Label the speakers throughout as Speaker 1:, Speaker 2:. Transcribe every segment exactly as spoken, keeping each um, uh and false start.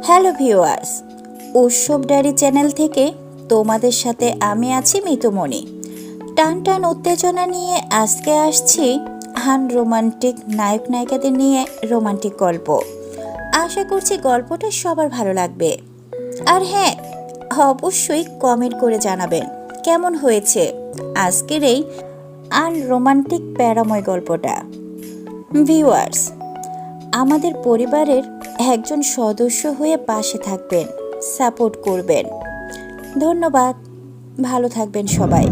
Speaker 1: Hello viewers, উৎসব diary channel থেকে তোমাদের সাথে আমি আছি মিতুমণি। টান টান উত্তেজনা নিয়ে আজকে আসছি হান রোমান্টিক নায়ক নায়িকাদের নিয়ে রোমান্টিক গল্প। আশা করছি গল্পটা সবার ভালো লাগবে। আর হ্যাঁ, অবশ্যই কমেন্ট করে জানাবেন কেমন হয়েছে আজকের এই আনরোমান্টিক প্যারাময় গল্পটা। ভিউয়ার্স, আমাদের পরিবারের একজন সদস্য হয়ে পাশে থাকবেন, সাপোর্ট করবেন। ধন্যবাদ, ভালো থাকবেন সবাই।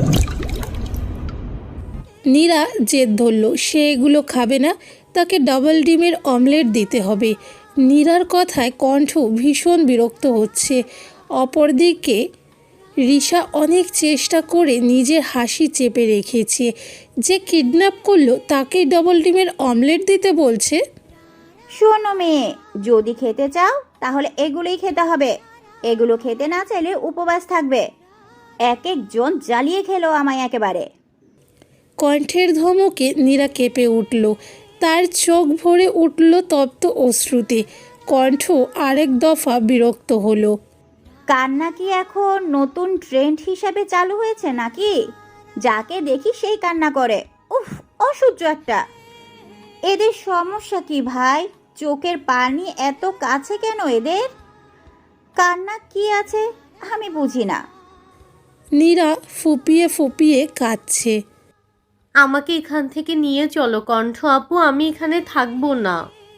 Speaker 2: নীরা জেদ ধরল, সে এগুলো খাবে না, তাকে ডাবল ডিমের অমলেট দিতে হবে। নীরার কথায় কণ্ঠ ভীষণ বিরক্ত হচ্ছে। অপরদিকে রিশা অনেক চেষ্টা করে নিজের হাসি চেপে রেখেছে। যে কিডন্যাপ করলো তাকে ডাবল ডিমের অমলেট দিতে বলছে।
Speaker 1: শোনো মেয়ে, যদি খেতে চাও তাহলে এগুলোই খেতে হবে, এগুলো খেতে না চাইলে উপবাস থাকবে। এক একজন জ্বালিয়ে খেলো আমায় একেবারে।
Speaker 2: কণ্ঠের ধমকে নীরা কেঁপে উঠল, তার চোখ ভরে উঠল তপ্ত অশ্রুতে। কণ্ঠ আরেক দফা বিরক্ত হলো।
Speaker 1: কান্না কি এখন নতুন ট্রেন্ড হিসাবে চালু হয়েছে নাকি? যাকে দেখি সেই কান্না করে। উফ, অসহ্য একটা। এদের সমস্যা কি ভাই? চোখের পানি এত কাছে কেন এদের? কান্না কি আছে আমি বুঝি না।
Speaker 2: নীরা ফুপিয়ে ফুপিয়ে কাঁদছে।
Speaker 3: আমাকে এখান থেকে নিয়ে চলো কণ্ঠ আপু, আমি এখানে থাকবো না।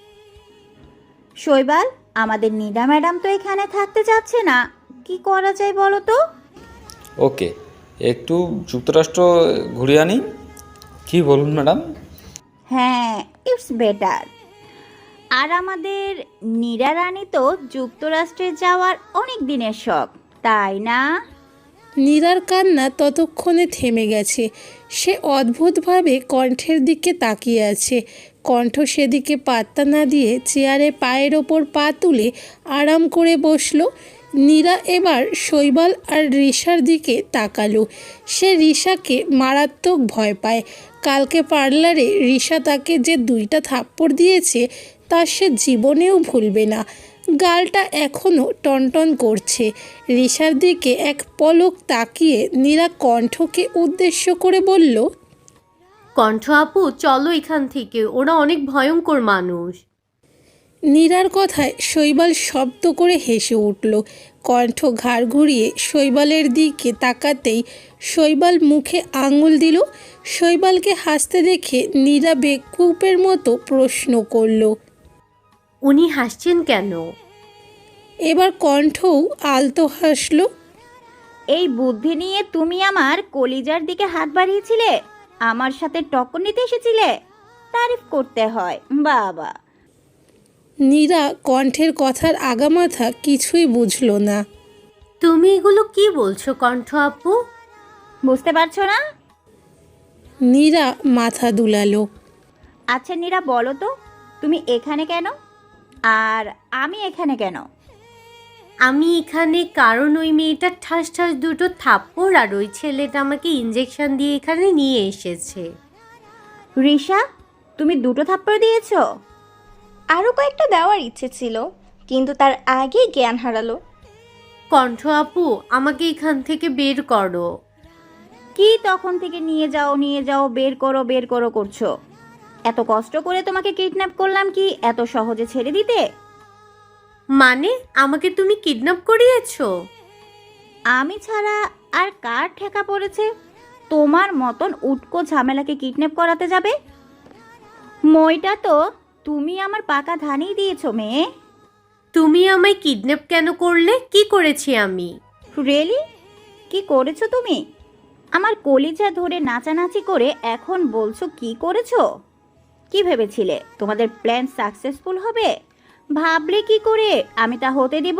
Speaker 1: শৈবাল, আমাদের নীলা ম্যাডাম তো এখানে থাকতে চাচ্ছে না, কি করা যায় বলো তো?
Speaker 4: ওকে, একটু যুক্তরাষ্ট্র ঘুরে আনি, কি বলুন ম্যাডাম?
Speaker 1: হ্যাঁ, ইটস বেটার। আর আমাদের নীরা রানী তো যুক্তরাষ্ট্রে যাওয়ার অনেক দিনের শখ, তাই না?
Speaker 2: নীরার কান্না ততক্ষণে থেমে গেছে। সে অদ্ভুতভাবে কণ্ঠের দিকে তাকিয়ে আছে। কণ্ঠ সেদিকে পাত্তা না দিয়ে চেয়ারে পায়ের ওপর পা তুলে আরাম করে বসলো। নীরা এবার শৈবাল আর রিশার দিকে তাকালো। সে রিশাকে মারাত্মক ভয় পায়। কালকে পার্লারে রিশা তাকে যে দুইটা থাপ্পড় দিয়েছে তা সে জীবনেও ভুলবে না। গালটা এখনও টনটন করছে। রিশার দিকে এক পলক তাকিয়ে নীরা কণ্ঠকে উদ্দেশ্য করে বলল,
Speaker 3: কণ্ঠ আপু চলো এখান থেকে, ওরা অনেক ভয়ঙ্কর মানুষ।
Speaker 2: নীরার কথায় শৈবাল শব্দ করে হেসে উঠল। কণ্ঠ ঘাড় ঘুরিয়ে শৈবালের দিকে তাকাতেই শৈবাল মুখে আঙুল দিল। শৈবালকে হাসতে দেখে নীরা বেকুপের মতো প্রশ্ন করল,
Speaker 3: উনি হাসছেন কেন?
Speaker 2: এবার কণ্ঠও আলতো হাসল।
Speaker 1: এই বুদ্ধি নিয়ে তুমি আমার কলিজার দিকে হাত বাড়িয়েছিলে, আমার সাথে টক্কর নিতে এসেছিলে? তারিফ করতে হয় বাবা।
Speaker 2: নীরা কণ্ঠের কথার আগামাথা কিছুই বুঝল না।
Speaker 3: তুমি এগুলো কি বলছো কণ্ঠ আপু?
Speaker 1: বুঝতে পারছো না?
Speaker 2: নীরা মাথা দুলালো।
Speaker 1: আচ্ছা নীরা, বলো তো তুমি এখানে কেন আর আমি এখানে কেন?
Speaker 3: আমি এখানে কারণ ওই মেয়েটা ঠাস ঠাস দুটো থাপ্পড় আর ওই ছেলেটা আমাকে ইঞ্জেকশন দিয়ে এখানে নিয়ে এসেছে।
Speaker 1: রিশা, তুমি দুটো থাপ্পড় দিয়েছো?
Speaker 5: আরও কয়েকটা দেওয়ার ইচ্ছে ছিল, কিন্তু তার আগেই জ্ঞান হারালো।
Speaker 3: কণ্ঠ আপু আমাকে এখান থেকে বের করো।
Speaker 1: কি তখন থেকে নিয়ে যাও নিয়ে যাও বের করো বের করো করছো? এত কষ্ট করে তোমাকে কিডন্যাপ করলাম কি এত সহজে ছেড়ে দিতে?
Speaker 3: মানে আমাকে তুমি কিডন্যাপ করিয়েছো?
Speaker 1: আমি ছাড়া আর কার ঠেকা পড়েছে তোমার মতন উটকো ঝামেলাকে কিডন্যাপ করাতে যাবে? মইটা তো তুমি আমার পাকা ধানেই দিয়েছো মেয়ে।
Speaker 3: তুমি আমায় কিডন্যাপ কেন করলে? কি করেছি আমি?
Speaker 1: রিয়েলি? কি করেছো তুমি? আমার কলিজা ধরে নাচানাচি করে এখন বলছো কি করেছো? কি ভেবেছিলে তোমাদের প্ল্যান সাকসেসফুল হবে? ভাবলে কি করে আমি তা হতে দেব?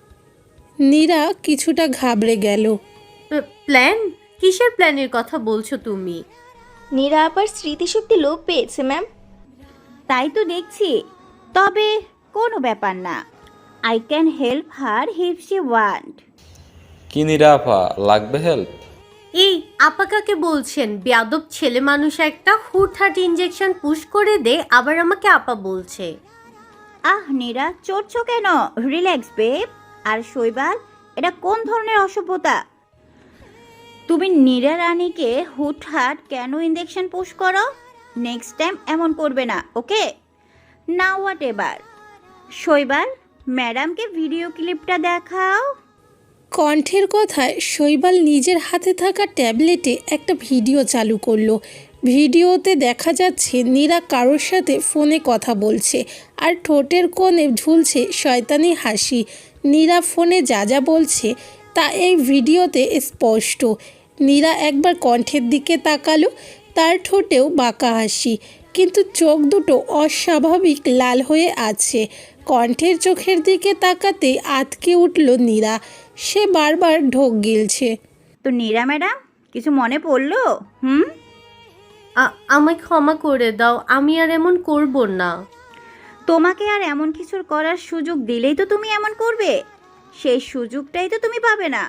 Speaker 2: নীরা কিছুটা ঘাবড়ে গেল।
Speaker 3: প্ল্যান? কিসের প্ল্যানের কথা বলছো তুমি?
Speaker 5: নীরা আবার স্মৃতিশক্তি লোপ পেয়েছে ম্যাম।
Speaker 1: তাই তো দেখছি। তবে কোনো ব্যাপার না, I can help her if she want.
Speaker 4: কি নীরা আপা, লাগবে হেল্প?
Speaker 3: এই আপা কাকে বলছেন? বেয়াদব ছেলে মানুষ একটা, হুটহাট ইঞ্জেকশন পুশ করে দে, আবার আমাকে আপা বলছে।
Speaker 1: আহ নীরা, চড়ছো কেন? Relax babe. আর শৈবাল, এটা কোন ধরনের অসভ্যতা? তুমি নীরা রানীকে হুটহাট কেন ইঞ্জেকশন পুশ করো? নেক্সট টাইম এমন করবে না, ওকে? না হোয়াট এবার। শৈবাল, ম্যাডামকে ভিডিও ক্লিপটা দেখাও।
Speaker 2: কণ্ঠের কথায় শৈবাল নিজের হাতে থাকা ট্যাবলেটে একটা ভিডিও চালু করলো। ভিডিওতে দেখা যাচ্ছে নীরা কারোর সাথে ফোনে কথা বলছে আর ঠোঁটের কোণে ঝুলছে শয়তানি হাসি। নীরা ফোনে যা যা বলছে তা এই ভিডিওতে স্পষ্ট। নীরা একবার কণ্ঠের দিকে তাকালো, তার ঠোঁটেও বাঁকা হাসি, কিন্তু চোখ দুটো অস্বাভাবিক লাল হয়ে আছে। কণ্ঠের চোখের দিকে তাকাতেই আটকে উঠল নীরা। সে বারবার ঢোক গিলছে।
Speaker 1: তো নীরা ম্যাডাম, কিছু মনে পড়লো? হুম
Speaker 3: আ- আমায় ক্ষমা করে দাও, আমি আর এমন করব না।
Speaker 1: তোমাকে আর এমন কিছুর করার সুযোগ দিলেই তো তুমি এমন করবে। সেই সুযোগটাই তো তুমি পাবে না।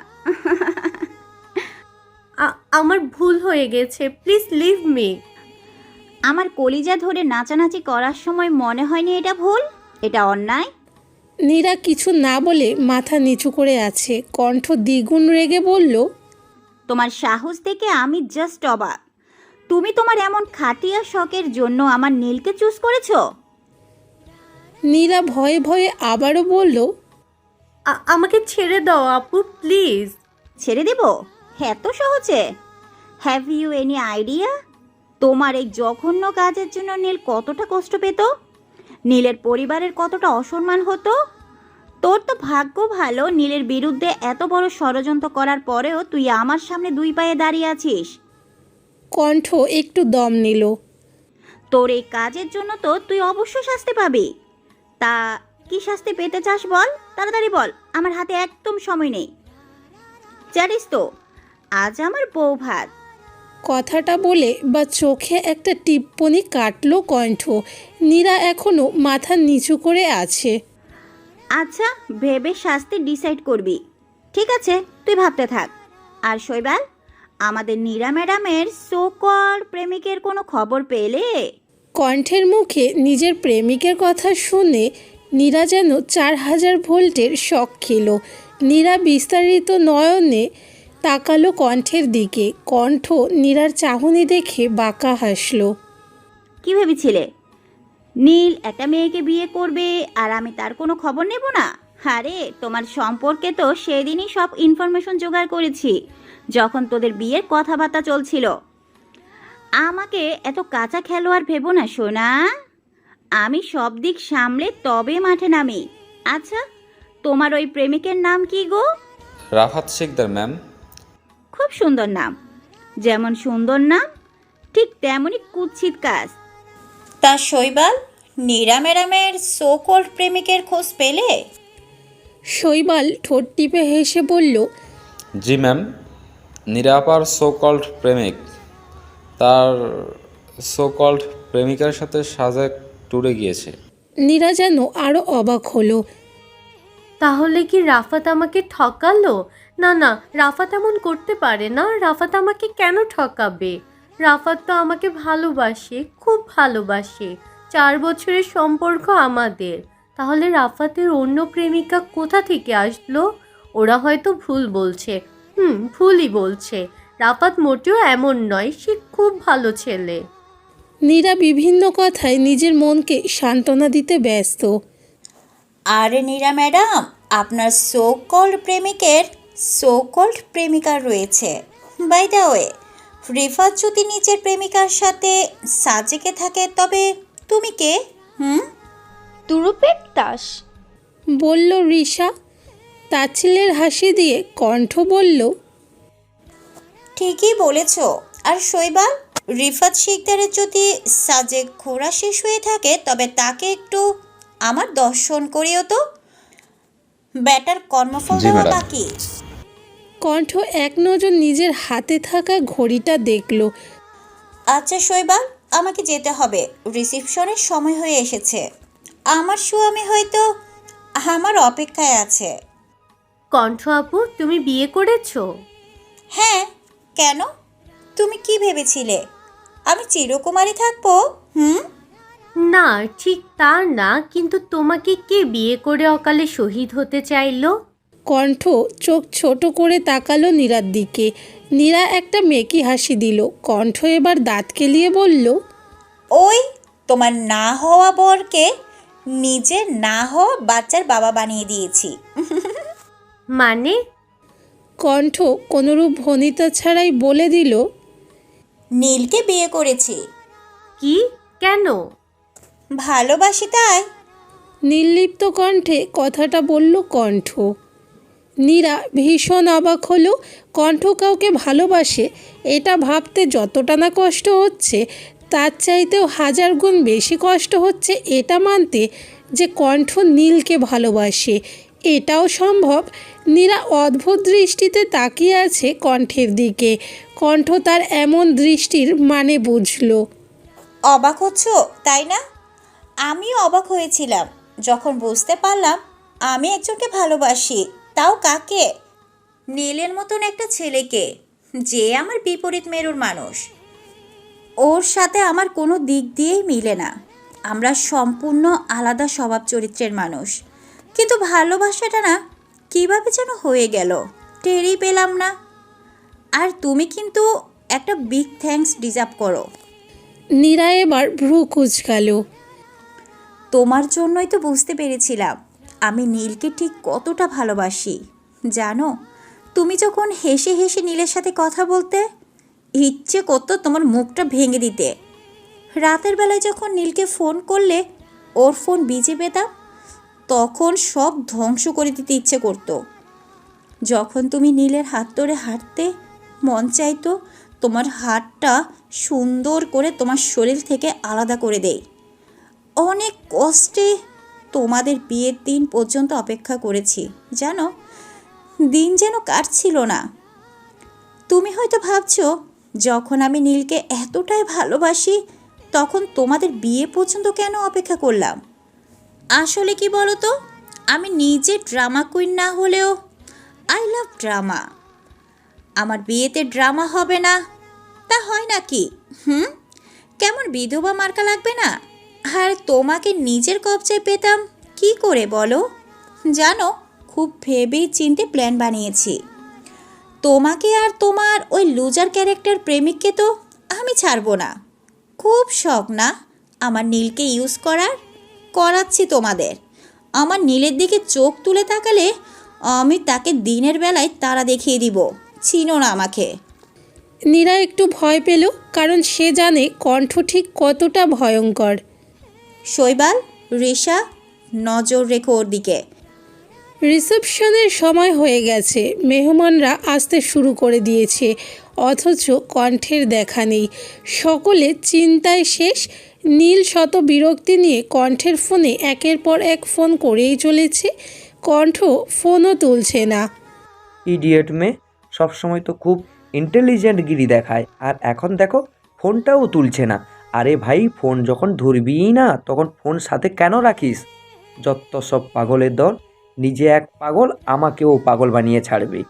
Speaker 3: আ- আমার ভুল হয়ে গেছে, প্লিজ লিভ মি।
Speaker 1: আমার কলিজা ধরে নাচানাচি করার সময় মনে হয়নি এটা ভুল, এটা অন্যায়?
Speaker 2: নীরা কিছু না বলে মাথা নিচু করে আছে। কণ্ঠ দ্বিগুণ রেগে বলল,
Speaker 1: তোমার সাহস থেকে আমি জাস্ট অবাক। তুমি তোমার এমন খাটিয়া শখের জন্য আমার নীলকে চুজ করেছো?
Speaker 2: নীরা ভয়ে ভয়ে আবারও বলল,
Speaker 3: আ- আমাকে ছেড়ে দাও আপু, প্লিজ।
Speaker 1: ছেড়ে দেব এত সহজে? হ্যাভ ইউ এনি আইডিয়া তোমার এই জঘন্য কাজের জন্য নীল কতটা কষ্ট পেত? নীলের পরিবারের কতটা অসম্মান হতো? তোর তো ভাগ্য ভালো, নীলের বিরুদ্ধে এত বড় ষড়যন্ত্র করার পরেও তুই আমার সামনে দুই পায়ে দাঁড়িয়ে আছিস।
Speaker 2: কণ্ঠ একটু দম নিল।
Speaker 1: তোর এই কাজের জন্য তো তুই অবশ্যই শাস্তি পাবি। তা কি শাস্তি পেতে চাস বল, তাড়াতাড়ি বল, আমার হাতে একদম সময় নেই। জানিস তো আজ আমার বউ ভাত।
Speaker 2: কথাটা বলে বা চোখে একটা টিপ্পনি কাটলো কণ্ঠ। নীরা এখনো মাথা নিচু করে আছে।
Speaker 1: আচ্ছা, ভেবে শাস্তি ডিসাইড করবি। ঠিক আছে, তুই ভাবতে থাক। আর শৈবাল, আমাদের নীরা ম্যাডামের সোকল প্রেমিকের কোনো খবর পেলে?
Speaker 2: কণ্ঠের মুখে নিজের প্রেমিকের কথা শুনে নীরা যেন চার হাজার ভোল্টের শক খেল। নীরা বিস্তারিত নয়নে তাকালো কণ্ঠের দিকে। কণ্ঠ নীরার চাহনি দেখে বাঁকা হাসল।
Speaker 1: কি ভেবেছিলে নীল একটা মেয়েকে বিয়ে করবে আর আমি তার কোনো খবর নেব না? আরে তোমার সম্পর্কে তো সেদিনই সব ইনফরমেশন জোগাড় করেছি, যখন তোদের বিয়ের কথাবার্তা চলছিল। আমাকে এত কাঁচা খেলোয়াড় ভেবো না সোনা, আমি সব দিক সামলে তবে মাঠে নামি। আচ্ছা, তোমার ওই প্রেমিকের নাম কি গো?
Speaker 4: রাফাত শিকদার ম্যাম।
Speaker 1: খুব সুন্দর নাম। যেমন সুন্দর নাম, ঠিক তেমনই কুৎসিত কাজ। তা শৈবাল, নীরা ম্যাডামের সোকল্ড প্রেমিকের খোঁজ পেলে?
Speaker 2: শৈবাল ঠোঁট টিপে হেসে বলল,
Speaker 4: জি ম্যাম, নিরাপার সো কল্ড প্রেমিক তার সো কল্ড প্রেমিকার সাথে সাজেক ট্যুরে গিয়েছে।
Speaker 2: নীরা যেন আরও অবাক হলো।
Speaker 3: তাহলে কি রাফাত আমাকে ঠকালো? না না, রাফাত এমন করতে পারে না। রাফাত আমাকে কেন ঠকাবে? রাফাত তো আমাকে ভালোবাসে, খুব ভালোবাসে। চার বছরের সম্পর্ক আমাদের। তাহলে রাফাতের অন্য প্রেমিকা কোথা থেকে আসলো? ওরা হয়তো ভুল বলছে। হুম, ভুলই বলছে। রাফাত মোটেও এমন নয়, সে খুব ভালো ছেলে।
Speaker 2: নীরা বিভিন্ন কথায় নিজের মনকে সান্ত্বনা দিতে ব্যস্ত।
Speaker 1: আরে নীরা ম্যাডাম, আপনার সোকল্ড প্রেমিকের সোকল্ড প্রেমিকা রয়েছে। বাই দ্য ওয়ে, রিফাত যদি নিজের প্রেমিকার সাথে সাজেকে থাকে তবে তুমি কে? হুম
Speaker 5: তুরুপের দাস।
Speaker 2: বলল রিশা। তাচ্ছিল্যের হাসি দিয়ে কণ্ঠ বলল,
Speaker 1: ঠিকই বলেছ। আর শৈবাল, রিফাত শিকদারের যদি সাজেক ঘোরা শেষ হয়ে থাকে তবে তাকে একটু আমার দর্শন করিও তো। ব্যাটার কর্মফল
Speaker 4: জি,
Speaker 1: দেওয়া
Speaker 4: ম্যাডাম।
Speaker 1: বাকি।
Speaker 2: কণ্ঠ এক নজর নিজের হাতে থাকা ঘড়িটা দেখল।
Speaker 1: আচ্ছা শৈবাল, আমাকে যেতে হবে, রিসিপশনের সময় হয়ে এসেছে। আমার স্বামী হয়তো আমার অপেক্ষায় আছে।
Speaker 3: কণ্ঠ আপু, তুমি বিয়ে করেছো?
Speaker 1: হ্যাঁ, কেন? তুমি কি ভেবেছিলে আমি চিরকুমারী থাকবো? হুম
Speaker 3: না, ঠিক তা না, কিন্তু তোমাকে কে বিয়ে করে অকালে শহীদ হতে চাইলো?
Speaker 2: কণ্ঠ চোখ ছোট করে তাকালো নীরার দিকে। নীরা একটা মেকি হাসি দিল। কণ্ঠ এবার দাঁত কেলিয়ে বলল,
Speaker 1: ওই তোমার না হওয়া বরকে নিজের না হওয়া বাচ্চার বাবা বানিয়ে দিয়েছি।
Speaker 3: মানে?
Speaker 2: কণ্ঠ কোনোরূপ ভনিতা ছাড়াই বলে দিল,
Speaker 1: নীলকে বিয়ে করেছি।
Speaker 3: কি? কেন?
Speaker 1: ভালোবাসি তাই।
Speaker 2: নির্লিপ্ত কণ্ঠে কথাটা বলল কণ্ঠ। নীরা ভীষণ অবাক হলো। কণ্ঠ কাউকে ভালোবাসে এটা ভাবতে যতটা না কষ্ট হচ্ছে, তার চাইতেও হাজার গুণ বেশি কষ্ট হচ্ছে এটা মানতে যে কণ্ঠ নীলকে ভালোবাসে। এটাও সম্ভব। নীরা অদ্ভুত দৃষ্টিতে তাকিয়ে আছে কণ্ঠের দিকে। কণ্ঠ তার এমন দৃষ্টির মানে বুঝল।
Speaker 1: অবাক হচ্ছ তাই না? আমিও অবাক হয়েছিলাম যখন বুঝতে পারলাম আমি একজনকে ভালোবাসি। তাও কাকে? নীলের মতন একটা ছেলেকে, যে আমার বিপরীত মেরুর মানুষ। ওর সাথে আমার কোনো দিক দিয়েই মিলে না। আমরা সম্পূর্ণ আলাদা স্বভাব চরিত্রের মানুষ। কিন্তু ভালোবাসাটা না কীভাবে যেন হয়ে গেল, টেরই পেলাম না। আর তুমি কিন্তু একটা বিগ থ্যাঙ্কস ডিজার্ভ করো।
Speaker 2: নীরা এবার ভ্রু কুঁচকাল।
Speaker 1: তোমার জন্যই তো বুঝতে পেরেছিলাম আমি নীলকে ঠিক কতটা ভালোবাসি। জানো, তুমি যখন হেসে হেসে নীলের সাথে কথা বলতে, ইচ্ছে করতো তোমার মুখটা ভেঙে দিতে। রাতের বেলায় যখন নীলকে ফোন করলে ওর ফোন বিজে পেতাম, তখন সব ধ্বংস করে দিতে ইচ্ছে করতো। যখন তুমি নীলের হাত ধরে হাঁটতে, মন চাইতো তোমার হাতটা সুন্দর করে তোমার শরীর থেকে আলাদা করে দেই। অনেক কষ্টে তোমাদের বিয়ের দিন পর্যন্ত অপেক্ষা করেছি জানো। দিন যেন কাটছিল না। তুমি হয়তো ভাবছো যখন আমি নীলকে এতটাই ভালোবাসি তখন তোমাদের বিয়ে পর্যন্ত কেন অপেক্ষা করলাম। আসলে কি বলো তো, আমি নিজে ড্রামা কুইন না হলেও আই লাভ ড্রামা। আমার বিয়েতে ড্রামা হবে না তা হয় নাকি? হুম, কেমন বিধবা মার্কা লাগবে না? আর তোমাকে নিজের কবজায় পেতাম কি করে বলো? জানো, খুব ভেবেই চিন্তে প্ল্যান বানিয়েছি। তোমাকে আর তোমার ওই লুজার ক্যারেক্টার প্রেমিককে তো আমি ছাড়বো না। খুব শখ না আমার নীলকে ইউজ করার? করাচ্ছি তোমাদের। আমার নীলের দিকে চোখ তুলে তাকালে আমি তাকে দিনের বেলায় তারা দেখিয়ে দিব। চিনো না আমাকে।
Speaker 2: নীরা একটু ভয় পেল, কারণ সে জানে কণ্ঠ ঠিক কতটা ভয়ঙ্কর।
Speaker 1: শৈবাল, রিশা, নজর রেখো ওর দিকে।
Speaker 2: রিসেপশনের সময় হয়ে গেছে। মেহমানরা আসতে শুরু করে দিয়েছে, অথচ কণ্ঠের দেখা নেই। সকলে চিন্তায় শেষ। নীল শত বিরক্তি নিয়ে কণ্ঠের ফোনে একের পর এক ফোন করেই চলেছে। কণ্ঠ ফোনও তুলছে না।
Speaker 6: ইডিয়েট মেয়ে, সবসময় তো খুব ইন্টেলিজেন্ট গিরি দেখায়, আর এখন দেখো ফোনটাও তুলছে না। আরে ভাই, ফোন যখন ধরবিই না তখন ফোন সাথে কেন রাখিস? যত সব পাগলের দল, নিজে এক পাগল আমাকেও পাগল বানিয়ে ছাড়বে।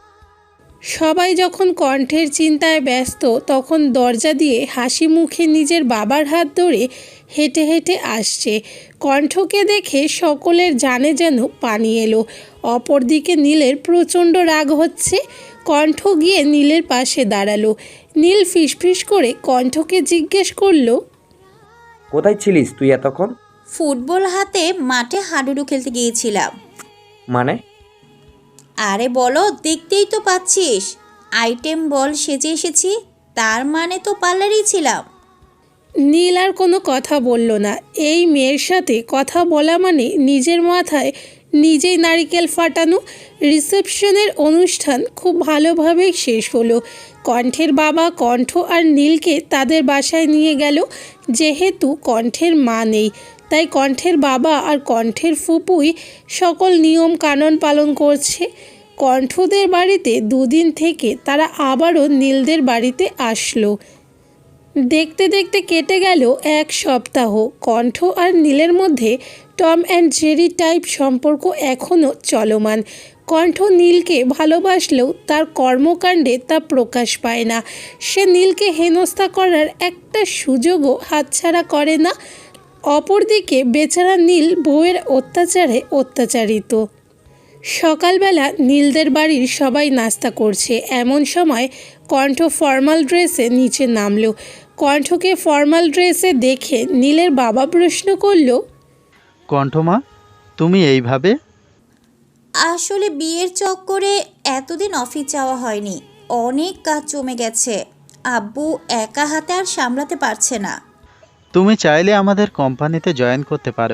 Speaker 2: সবাই যখন কণ্ঠের চিন্তায় ব্যস্ত, তখন দরজা দিয়ে হাসি মুখে নিজের বাবার হাত ধরে হেঁটে হেঁটে আসছে। কণ্ঠকে দেখে সকলের জানে যেন পানি এলো। অপরদিকে নীলের প্রচণ্ড রাগ হচ্ছে। কণ্ঠ গিয়ে নীলের পাশে দাঁড়ালো। নীল ফিসফিস করে কণ্ঠকে জিজ্ঞেস করলো,
Speaker 6: কোথায় ছিলিস তুই এতক্ষণ?
Speaker 1: ফুটবল হাতে মাঠে হাডুডু খেলতে গিয়েছিলাম।
Speaker 6: মানে?
Speaker 1: আরে বলো, দেখতেই তো পাচ্ছিস আইটেম বল সেজে এসেছি, তার মানে তো পার্লারেই ছিলাম।
Speaker 2: নীল আর কোনো কথা বলল না। এই মেয়ের সাথে কথা বলা মানে নিজের মাথায় নিজেই নারিকেল ফাটানো। রিসেপশনের অনুষ্ঠান খুব ভালোভাবেই শেষ হলো। কণ্ঠের বাবা কণ্ঠ আর নীলকে তাদের বাসায় নিয়ে গেল। যেহেতু কণ্ঠের মা নেই, তাই কণ্ঠের বাবা আর কণ্ঠের ফুপুই সকল নিয়ম কানুন পালন করছে। কণ্ঠদের বাড়িতে দুদিন থেকে তারা আবারও নীলদের বাড়িতে আসলো। দেখতে দেখতে কেটে গেল এক সপ্তাহ। কণ্ঠ আর নীলের মধ্যে টম অ্যান্ড জেরি টাইপ সম্পর্ক এখনও চলমান। কণ্ঠ নীলকে ভালোবাসলেও তার কর্মকাণ্ডে তা প্রকাশ পায় না। সে নীলকে হেনস্থা করার একটা সুযোগও হাতছাড়া করে না। অপরদিকে বেচারা নীল বউয়ের অত্যাচারে অত্যাচারিত। সকালবেলা নীলদের বাড়ির সবাই নাস্তা করছে, এমন সময় কণ্ঠ ফর্মাল ড্রেসে নিচে নামলো। কণ্ঠকে ফর্মাল ড্রেসে দেখে নীলের বাবা প্রশ্ন করলো,
Speaker 7: কণ্ঠমা, তুমি এইভাবে?
Speaker 1: আসলে বিয়ের চক্করে এতদিন অফিস যাওয়া হয়নি, অনেক কাজ জমে গেছে। আব্বু একা হাতে আর সামলাতে পারছে না।
Speaker 7: তুমি চাইলে আমাদের কোম্পানিতে জয়েন করতে পারো।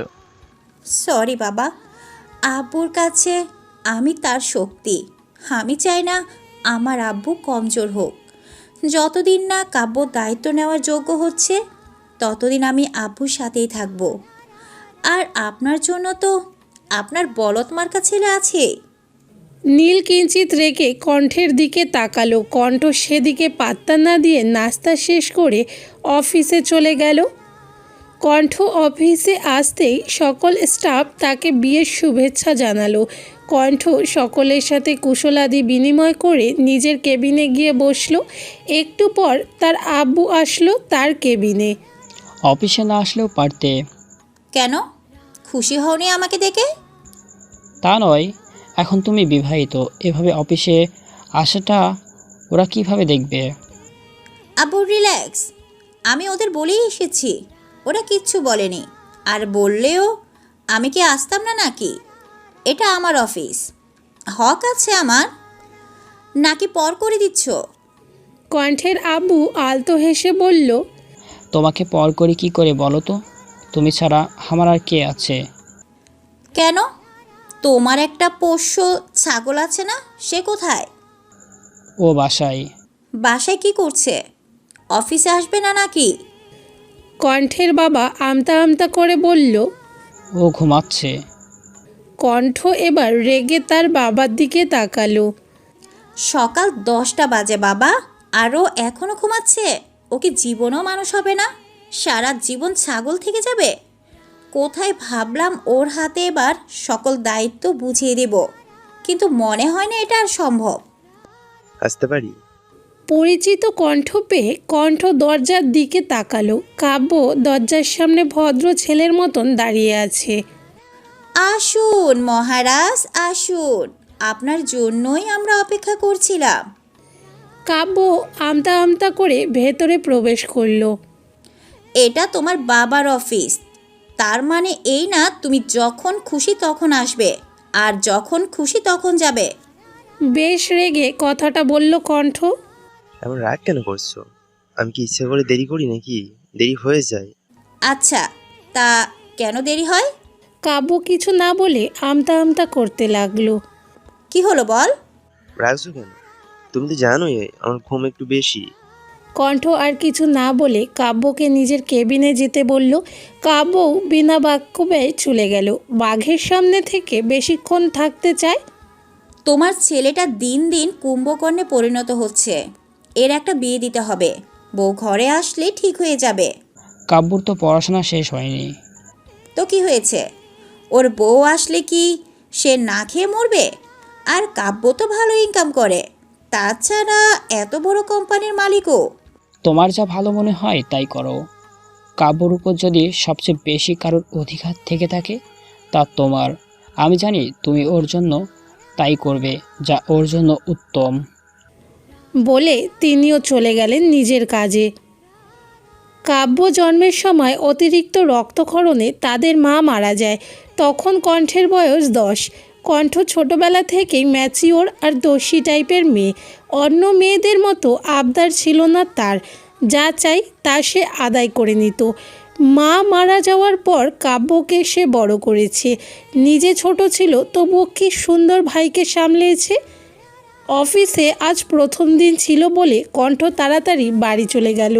Speaker 1: সরি বাবা, আব্বুর কাছে আমি তার শক্তি। আমি চাই না আমার আব্বু কমজোর হোক। যতদিন না কাব্য দায়িত্ব নেওয়ার যোগ্য হচ্ছে ততদিন আমি আব্বুর সাথেই থাকব। আর আপনার জন্য তো আপনার বলদ মার্কা ছেলে আছে।
Speaker 2: নীল কিঞ্চিত রেগে কণ্ঠের দিকে তাকালো। কণ্ঠ সেদিকে পাত্তা না দিয়ে নাস্তা শেষ করে অফিসে চলে গেল। কণ্ঠ অফিসে আসতেই সকল স্টাফ তাকে বিয়ের শুভেচ্ছা জানালো। কণ্ঠ সকলের সাথে কুশলাদি বিনিময় করে নিজের কেবিনে গিয়ে বসলো। একটু পর তার আব্বু আসলো তার কেবিনে।
Speaker 8: অফিসে না আসলেও পারতে।
Speaker 1: কেন, খুশি হওনি আমাকে দেখে?
Speaker 8: তা নয়, এখন তুমি বিবাহিত, এভাবে অফিসে আসাটা ওরা কিভাবে দেখবে?
Speaker 1: আব্বু রিল্যাক্স, আমি ওদের বলেই এসেছি, ওরা কিচ্ছু বলেনি। আর বললেও আমি কি আসতাম না নাকি? এটা আমার অফিস, হক আছে আমার। নাকি পর করে দিচ্ছ?
Speaker 2: কণ্ঠের আব্বু আলতো হেসে বলল,
Speaker 8: তোমাকে পর করি কি করে বলো তো? তুমি ছাড়া আমার আর কে আছে?
Speaker 1: কেন, তোমার একটা পোষ্য ছাগল আছে না, সে কোথায়?
Speaker 8: ও বাসায়।
Speaker 1: বাসায় কি করছে? অফিসে আসবে না নাকি?
Speaker 2: কণ্ঠের বাবা আমতা আমতা করে বলল।
Speaker 8: ও ঘুমাচ্ছে।
Speaker 2: কণ্ঠ এবার রেগে তার বাবার দিকে তাকালো।
Speaker 1: সকাল দশটা বাজে বাবা, আরও এখনও ঘুমাচ্ছে? ওকে জীবনও মানুষ হবে না, সারা জীবন ছাগল থেকে যাবে। কোথায় ভাবলাম ওর হাতে এবার সকল দায়িত্ব বুঝিয়ে দেব, কিন্তু মনে হয় না এটা আর সম্ভব।
Speaker 9: আসতে পারি?
Speaker 2: পরিচিত কণ্ঠ পেয়ে কণ্ঠ দরজার দিকে তাকালো। কাব্য দরজার সামনে ভদ্র ছেলের মতন দাঁড়িয়ে আছে।
Speaker 1: আসুন মহারাজ, আসুন, আপনার জন্যই আমরা অপেক্ষা করছিলাম।
Speaker 2: কাব্য আমতা আমতা করে ভেতরে প্রবেশ করলো।
Speaker 1: এটা তোমার বাবার অফিস, তার মানে এই না তুমি যখন খুশি তখন আসবে আর যখন খুশি তখন যাবে।
Speaker 2: বেশ রেগে কথাটা বলল কণ্ঠ।
Speaker 9: এমন রাগ কেন করছো? আমি কি ইচ্ছা করে দেরি করি নাকি? দেরি হয়ে যায়।
Speaker 1: আচ্ছা, তা কেন দেরি হয়?
Speaker 2: কাব্য কিছু না বলে আমতা আমতা করতে লাগলো।
Speaker 1: কি হলো বল?
Speaker 9: রাগছো কেন? তুমি তো জানোই আমার ঘুম একটু বেশি।
Speaker 2: কণ্ঠ আর কিছু না বলে কাব্যকে নিজের কেবিনে যেতে বলল। কাব্যও বিনা বাক্য ব্যয় চলে গেল। বাঘের সামনে থেকে বেশিক্ষণ থাকতে চায়।
Speaker 1: তোমার ছেলেটা দিন দিন কুম্ভকর্ণে পরিণত হচ্ছে, এর একটা বিয়ে দিতে হবে। বউ ঘরে আসলে ঠিক হয়ে যাবে।
Speaker 8: কাব্যর তো পড়াশোনা শেষ হয়নি।
Speaker 1: তো কি হয়েছে, ওর বউ আসলে কি সে না খেয়ে মরবে? আর কাব্য তো ভালো ইনকাম করে, তাছাড়া এত বড় কোম্পানির মালিকও।
Speaker 8: তোমার যা ভালো মনে হয় তাই করো। কাব্যর উপর যদি সবচেয়ে বেশি কারোর অধিকার থেকে থাকে তা তোমার। আমি জানি তুমি ওর জন্য তাই করবে যা ওর জন্য উত্তম।
Speaker 2: বলে তিনিও চলে গেলেন নিজের কাজে। কাব্য জন্মের সময় অতিরিক্ত রক্তক্ষরণে তাদের মা মারা যায়। তখন কণ্ঠের বয়স দশ। কণ্ঠ ছোটবেলা থেকেই ম্যাচিওর আর দোষী টাইপের মেয়ে। অন্য মেয়েদের মতো আবদার ছিল না তার, যা চাই তা সে আদায় করে নিত। মা মারা যাওয়ার পর কাব্যকে সে বড় করেছে। নিজে ছোট ছিল তবুও কি সুন্দর ভাইকে সামলেছে। অফিসে আজ প্রথম দিন ছিল বলে কণ্ঠ তাড়াতাড়ি বাড়ি চলে গেল।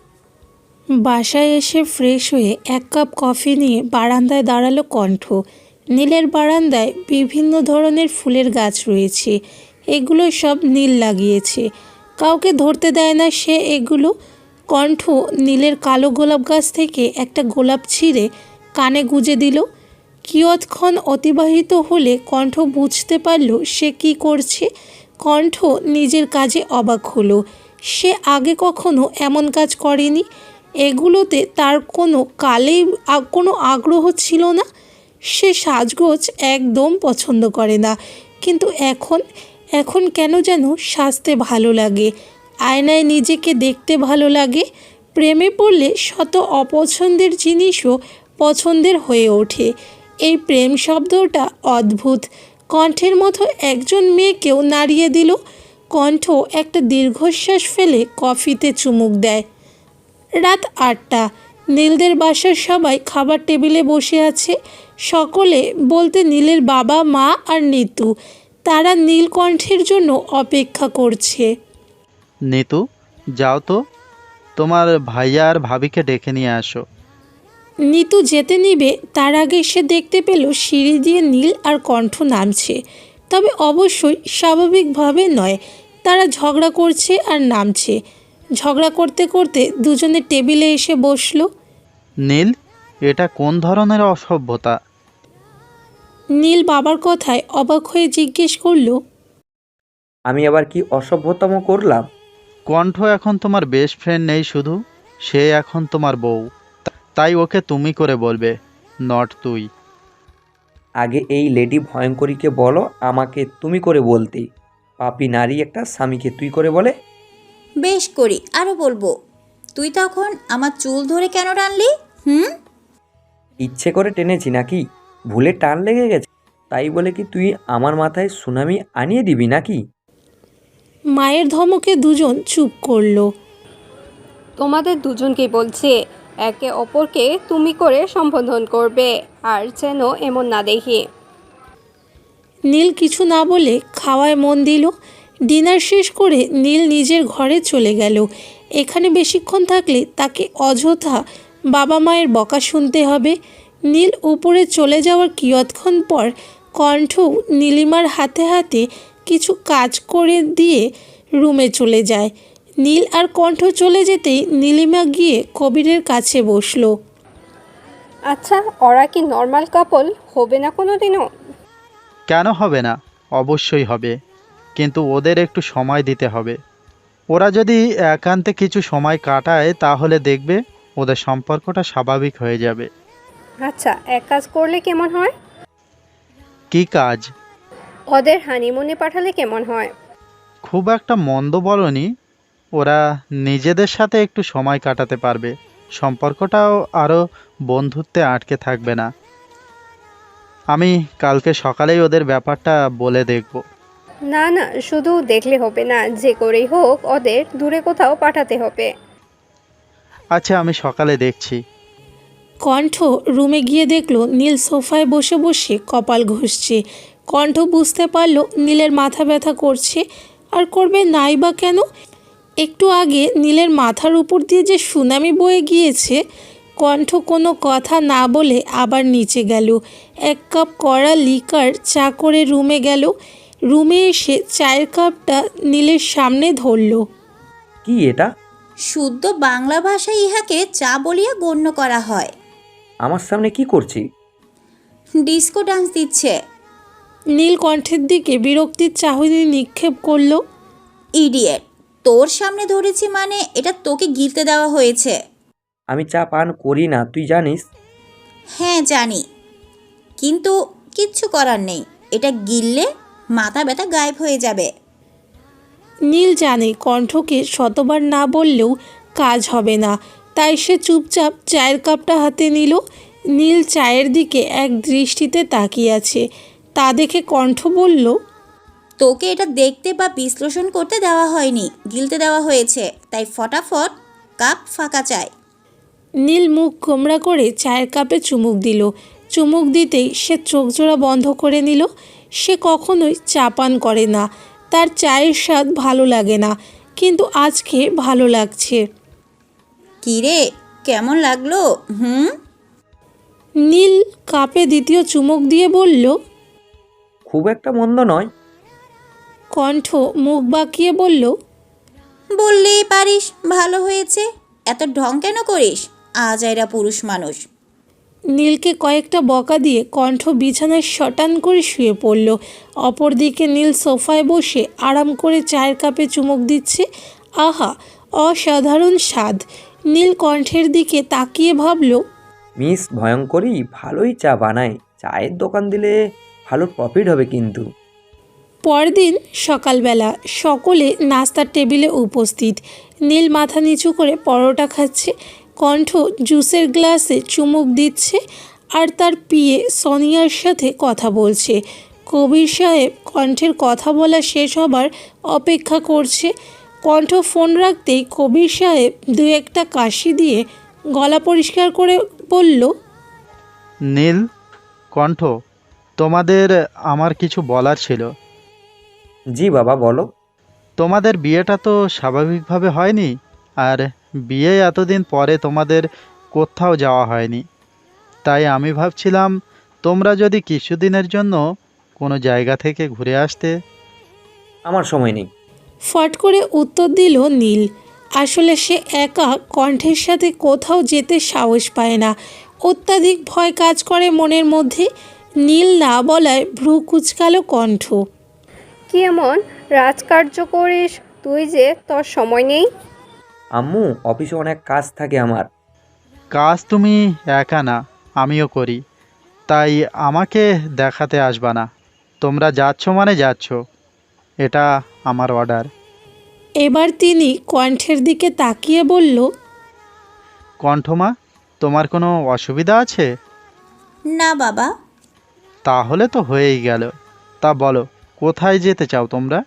Speaker 2: বাসায় এসে ফ্রেশ হয়ে এক কাপ কফি নিয়ে বারান্দায় দাঁড়ালো কণ্ঠ। নীলের বারান্দায় বিভিন্ন ধরনের ফুলের গাছ রয়েছে, এগুলো সব নীল লাগিয়েছে। কাউকে ধরতে দেয় না সে এগুলো। কণ্ঠ নীলের কালো গোলাপ গাছ থেকে একটা গোলাপ ছিঁড়ে কানে গুজে দিল। কিয়ৎক্ষণ অতিবাহিত হলে কণ্ঠ বুঝতে পারল সে কি করছে। কণ্ঠ নিজের কাজে অবাক হলো। সে আগে কখনো এমন কাজ করেনি। এগুলোতে তার কোনো কালেই আ- কোনো আগ্রহ ছিল না। সে সাজগোজ একদম পছন্দ করে না, কিন্তু এখন এখন কেন যেন সাজতে ভালো লাগে, আয়নায় নিজেকে দেখতে ভালো লাগে। প্রেমে পড়লে শত অপছন্দের জিনিসও পছন্দের হয়ে ওঠে। এই প্রেম শব্দটা অদ্ভুত। কণ্ঠের মতো একজন মেয়েকেও নাড়িয়ে দিল। কণ্ঠ একটা দীর্ঘশ্বাস ফেলে কফিতে চুমুক দেয়। রাত আটটা। নীলদের বাসার সবাই খাবার টেবিলে বসে আছে। সকলে বলতে নীলের বাবা, মা আর নিতু। তারা নীলকণ্ঠের জন্য অপেক্ষা করছে।
Speaker 7: নিতু, যাও তো, তোমার ভাইয়া আর ভাবিকে ডেকে নিয়ে আসো।
Speaker 2: নিতু যেতে নিবে তার আগে সে দেখতে পেল সিঁড়ি দিয়ে নীল আর কণ্ঠ নামছে। তবে অবশ্যই স্বাভাবিকভাবে নয়, তারা ঝগড়া করছে আর নামছে। ঝগড়া করতে করতে দুজনে টেবিলে এসে বসলো।
Speaker 7: নীল, এটা কোন ধরনের অসভ্যতা?
Speaker 2: নীল বাবার কথায় অবাক হয়ে জিজ্ঞেস করলো,
Speaker 6: আমি আবার কি অসভ্যতম করলাম?
Speaker 7: কণ্ঠ এখন তোমার বেস্ট ফ্রেন্ড নেই শুধু, সে এখন তোমার বউ। তাই ওকে তুমি করে বলবে, নট তুই।
Speaker 6: আগে এই লেডি ভয়ঙ্করীকে বলো আমাকে তুমি করে বলতে। পাপী নারী একটা স্বামীকে তুই করে বলে?
Speaker 1: বেশ করি, আরও বলবো। তুই তখন আমার চুল ধরে কেন টানলি? হুম
Speaker 6: ইচ্ছে করে টেনেছি নাকি? ভুলে টান লেগে গেছে তাই বলে কি তুই আমার মাথায় সুনামি আনিয়ে দিবি নাকি?
Speaker 2: মায়ের ধমকে দুজন চুপ করলো।
Speaker 10: তোমাদের দুজনকেই বলছি, একে অপরকে তুমি করে সম্বোধন করবে, আর যেন এমন না দেখি।
Speaker 2: নীল কিছু না বলে খাওয়ায় মন দিল। ডিনার শেষ করে নীল নিজের ঘরে চলে গেল। এখানে বেশিক্ষণ থাকলে তাকে অযথা বাবা মায়ের বকা শুনতে হবে। নীল উপরে চলে যাওয়ার কিয়ৎক্ষণ পর কণ্ঠ নীলিমার হাতে হাতে কিছু কাজ করে দিয়ে রুমে চলে যায়। নীল আর কণ্ঠ চলে যেতেই নীলিমা গিয়ে কবিরের কাছে বসলো।
Speaker 10: আচ্ছা, ওরা কি নর্মাল কাপল হবে না কোনো দিনও?
Speaker 7: কেন হবে না? অবশ্যই হবে, কিন্তু ওদের একটু সময় দিতে হবে। ওরা যদি একান্তে কিছু সময় কাটায় তাহলে দেখবে ওদের সম্পর্কটা স্বাভাবিক হয়ে যাবে।
Speaker 10: আচ্ছা, এক কাজ করলে কেমন হয়?
Speaker 7: কি কাজ?
Speaker 10: ওদের হানিমুনে পাঠালে কেমন হয়?
Speaker 7: খুব একটা মন্দ বলনি, ওরা নিজেদের সাথে একটু সময় কাটাতে পারবে, সম্পর্কটাও আরও বন্ধুত্বে আটকে থাকবে না। আমি কালকে সকালেই ওদের ব্যাপারটা বলে দেখব।
Speaker 10: না না, শুধু দেখলে হবে না, যে করেই হোক ওদের দূরে কোথাও পাঠাতে হবে।
Speaker 7: আচ্ছা, আমি সকালে দেখছি।
Speaker 2: কণ্ঠ রুমে গিয়ে দেখলো নীল সোফায় বসে বসে কপাল ঘষছে। কণ্ঠ বুঝতে পারলো নীলের মাথা ব্যথা করছে, আর করবে নাই বা কেন। একটু আগে নীলের মাথার উপর দিয়ে যে সুনামি বয়ে গিয়েছে। কণ্ঠ কোনো কথা না বলে আবার নিচে গেল। এক কাপ কড়া লিকার চা করে রুমে গেল। রুমে এসে চায়ের কাপটা নীলের সামনে ধরল।
Speaker 6: কি এটা?
Speaker 1: শুদ্ধ বাংলা ভাষায় ইহাকে চা বলিয়া গণ্য করা হয়।
Speaker 6: আমার সামনে কি করছি?
Speaker 1: ডিস্কো ডান্স দিচ্ছে।
Speaker 2: নীল কণ্ঠের দিকে বিরক্তির চাহনি নিক্ষেপ করলো।
Speaker 1: ইডিয়েট, তোর সামনে ধরেছি মানে এটা তোকে গিলতে দেওয়া হয়েছে।
Speaker 6: আমি চা পান করি না, তুই জানিস।
Speaker 1: হ্যাঁ জানি, কিন্তু কিচ্ছু করার নেই, এটা গিললে মাথা ব্যথা গায়েব হয়ে যাবে।
Speaker 2: নীল জানে কণ্ঠকে শতবার না বললেও কাজ হবে না, তাই সে চুপচাপ চায়ের কাপটা হাতে নিল। নীল চায়ের দিকে এক দৃষ্টিতে তাকিয়ে আছে। তা দেখে কণ্ঠ বলল,
Speaker 1: তোকে এটা দেখতে বা বিশ্লেষণ করতে দেওয়া হয়নি, গিলতে দেওয়া হয়েছে, তাই ফটাফট কাপ ফাঁকা চাই।
Speaker 2: নীল মুখ গোমড়া করে চায়ের কাপে চুমুক দিল। চুমুক দিতেই সে চোখ জোড়া বন্ধ করে নিল। সে কখনোই চা পান করে না, তার চায়ের স্বাদ ভালো লাগে না, কিন্তু আজকে ভালো লাগছে।
Speaker 1: কী রে, কেমন লাগলো? হুম
Speaker 2: নীল কাপে দ্বিতীয় চুমুক দিয়ে বলল।
Speaker 6: খুব একটা মন্দ নয়।
Speaker 2: কণ্ঠ মুখ বাঁকিয়ে বলল,
Speaker 1: বললেই পারিস ভালো হয়েছে, এত ঢং কেন করিস? আজ এরা পুরুষ মানুষ।
Speaker 2: নীলকে কয়েকটা বকা দিয়ে কণ্ঠ বিছানায় শটান করে শুয়ে পড়ল। অপরদিকে নীল সোফায় বসে আরাম করে চায়ের কাপে চুমুক দিচ্ছে। আহা, অসাধারণ স্বাদ! নীল কণ্ঠের দিকে তাকিয়ে ভাবল,
Speaker 6: মিস ভয়ঙ্করী ভালোই চা বানায়, চায়ের দোকান দিলে ভালো প্রফিট হবে কিন্তু।
Speaker 2: পরদিন সকালবেলা সকলে নাস্তার টেবিলে উপস্থিত। নীল মাথা নিচু করে পরোটা খাচ্ছে, কণ্ঠ জুসের গ্লাসে চুমুক দিচ্ছে আর তার পিয়ে সোনিয়ার সাথে কথা বলছে। কবির সাহেব কণ্ঠের কথা বলা শেষ হবার অপেক্ষা করছে। কণ্ঠ ফোন রাখতেই কবির সাহেব দু একটা কাশি দিয়ে গলা পরিষ্কার করে বলল,
Speaker 7: নীল, কণ্ঠ, তোমাদের আমার কিছু বলার ছিল।
Speaker 6: জি বাবা বলো।
Speaker 7: তোমাদের বিয়েটা তো স্বাভাবিকভাবে হয়নি, আর বিয়ে এতদিন পরে তোমাদের কোথাও যাওয়া হয়নি। তাই আমি ভাবছিলাম তোমরা যদি কিছুদিনের জন্য কোনো জায়গা থেকে ঘুরে আসতে।
Speaker 6: আমার সময় নেই।
Speaker 2: ফট করে উত্তর দিল নীল। আসলে সে একা কণ্ঠের সাথে কোথাও যেতে সাহস পায় না, অত্যাধিক ভয় কাজ করে মনের মধ্যে। নীল না বলায় ভ্রু কুচকালো কণ্ঠ।
Speaker 10: কি এমন রাজকার্য করিস তুই যে তোর সময় নেই?
Speaker 6: আম্মু, অফিসে অনেক কাজ থাকে আমার।
Speaker 7: কাজ তুমি একা না, আমিও করি, তাই আমাকে দেখাতে আসবা না। তোমরা যাচ্ছ মানে যাচ্ছ, এটা আমার অর্ডার।
Speaker 2: এবার তিনি কণ্ঠের দিকে তাকিয়ে বলল,
Speaker 7: কণ্ঠমা, তোমার কোনো অসুবিধা আছে?
Speaker 1: না বাবা।
Speaker 7: তাহলে তো হয়েই গেল। তা বলো, কোথায় যেতে চাও তোমরা?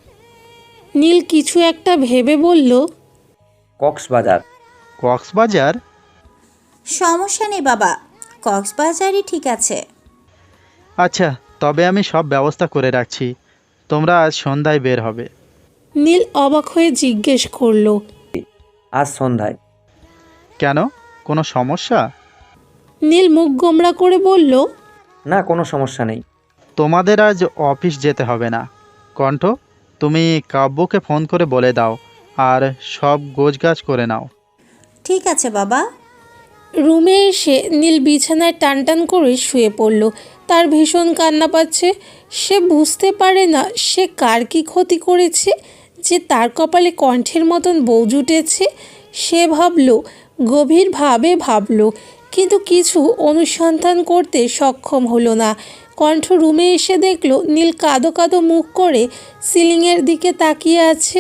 Speaker 2: নীল কিছু একটা ভেবে বলল,
Speaker 6: কক্সবাজার।
Speaker 7: কক্সবাজার?
Speaker 1: সমস্যা নেই বাবা, কক্সবাজারই ঠিক আছে।
Speaker 7: আচ্ছা, তবে আমি সব ব্যবস্থা করে রাখছি। তোমরা আজ সন্ধ্যায় বের হবে।
Speaker 2: নীল অবাক হয়ে জিজ্ঞেস করলো,
Speaker 6: আজ সন্ধ্যায়?
Speaker 7: কেন, কোনো সমস্যা?
Speaker 2: নীল মুখ গোমড়া করে বলল,
Speaker 6: না, কোনো সমস্যা নেই।
Speaker 7: তোমাদের আজ অফিস যেতে হবে না। কণ্ঠ, তুমি কাব্যকে ফোন করে বলে দাও, আর সব গোছগাছ করে নাও।
Speaker 1: ঠিক আছে বাবা।
Speaker 2: রুমে এসে নীল বিছানায় টান টান করে শুয়ে পড়ল। তার ভীষণ কান্না পাচ্ছে। সে বুঝতে পারে না সে কার কী ক্ষতি করেছে যে তার কপালে কণ্ঠের মতন বউ জুটেছে। সে ভাবল, গভীরভাবে ভাবল, কিন্তু কিছু অনুসন্ধান করতে সক্ষম হলো না। কণ্ঠ রুমে এসে দেখল নীল কাঁদো কাঁদো মুখ করে সিলিংয়ের দিকে তাকিয়ে আছে।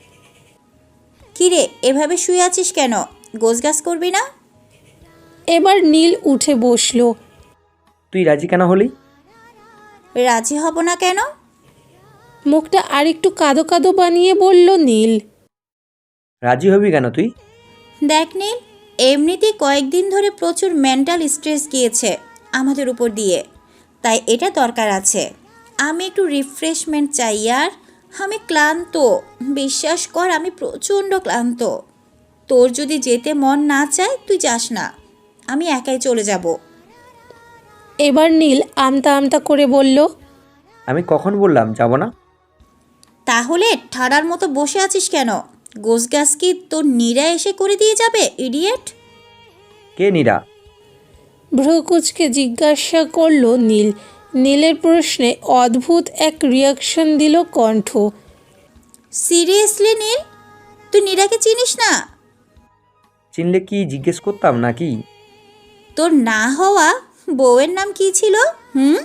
Speaker 1: কিরে, এভাবে শুয়ে আছিস কেন? গোছগাছ করবি না?
Speaker 2: এবার নীল উঠে বসল।
Speaker 6: তুই রাজি কেন হলি?
Speaker 1: রাজি হব না কেন?
Speaker 2: মুখটা আরেকটু কাঁদো কাঁদো বানিয়ে বলল নীল।
Speaker 6: রাজি হবি কেন তুই?
Speaker 1: দেখ নীল, এমনিতেই কয়েকদিন ধরে প্রচুর মেন্টাল স্ট্রেস গিয়েছে আমাদের উপর দিয়ে, তাই এটা দরকার আছে। আমি একটু রিফ্রেশমেন্ট চাই আর। আমি ক্লান্ত, বিশ্বাস কর, আমি প্রচণ্ড ক্লান্ত। তোর যদি যেতে মন না চায় তুই যাস না, আমি একাই চলে যাব।
Speaker 2: এবার নীল আমতা আমতা করে বলল,
Speaker 6: আমি কখন বললাম যাব না?
Speaker 1: তাহলে ঠাড়ার মতো বসে আছিস কেন? গোছগাছ কি তোর নীরা এসে করে দিয়ে যাবে, ইডিয়েট?
Speaker 6: কে নীরা?
Speaker 2: ভ্রুকুচকে জিজ্ঞাসা করল নীল। নীলের প্রশ্নে অদ্ভুত এক রিয়াকশন দিল কণ্ঠ।
Speaker 1: সিরিয়াসলি নীল, তুই নীরাকে চিনিস না?
Speaker 6: চিনলে কি জিজ্ঞেস করতাম নাকি?
Speaker 1: তোর না হওয়া বউয়ের নাম কি ছিল? হুম?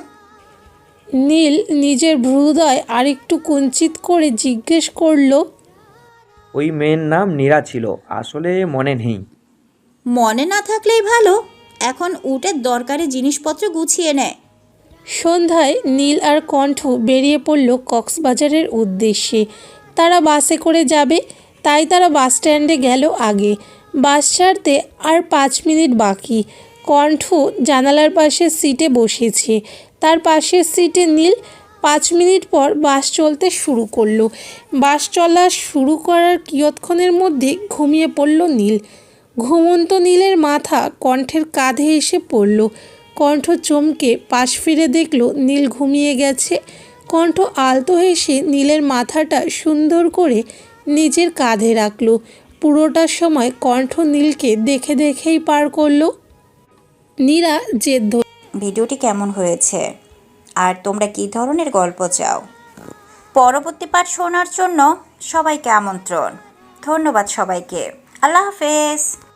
Speaker 2: নীল নিজের ভ্রুদয় আরেকটু কুঞ্চিত করে জিজ্ঞেস করল,
Speaker 6: ওই মেয়ের নাম নীরা ছিল, আসলে মনে নেই।
Speaker 1: মনে না থাকলেই ভালো। এখন উঠে দরকারি জিনিসপত্র গুছিয়ে নেয়।
Speaker 2: সন্ধ্যায় নীল আর কণ্ঠ বেরিয়ে পড়ল কক্সবাজারের উদ্দেশ্যে। তারা বাসে করে যাবে, তাই তারা বাস স্ট্যান্ডে গেল আগে। বাস ছাড়তে আর পাঁচ মিনিট বাকি। কণ্ঠ জানালার পাশের সিটে বসেছে, তার পাশের সিটে নীল। পাঁচ মিনিট পর বাস চলতে শুরু করলো। বাস চলা শুরু করার কিয়ৎক্ষণের মধ্যে ঘুমিয়ে পড়ল নীল। ঘুমন্ত নীলের মাথা কণ্ঠের কাঁধে এসে পড়ল। কণ্ঠ চমকে পাশ ফিরে দেখল নীল ঘুমিয়ে গেছে। কণ্ঠ আলতো হেসে নীলের মাথাটা সুন্দর করে নিজের কাঁধে রাখল। পুরোটা সময় কণ্ঠ নীলকে দেখে দেখেই পার করলো। নীরা জেদ ধরল,
Speaker 1: ভিডিওটি কেমন হয়েছে আর তোমরা কী ধরনের গল্প চাও? পরবর্তী পার্ট শোনার জন্য সবাইকে আমন্ত্রণ। ধন্যবাদ সবাইকে। আল্লাহ হাফেজ।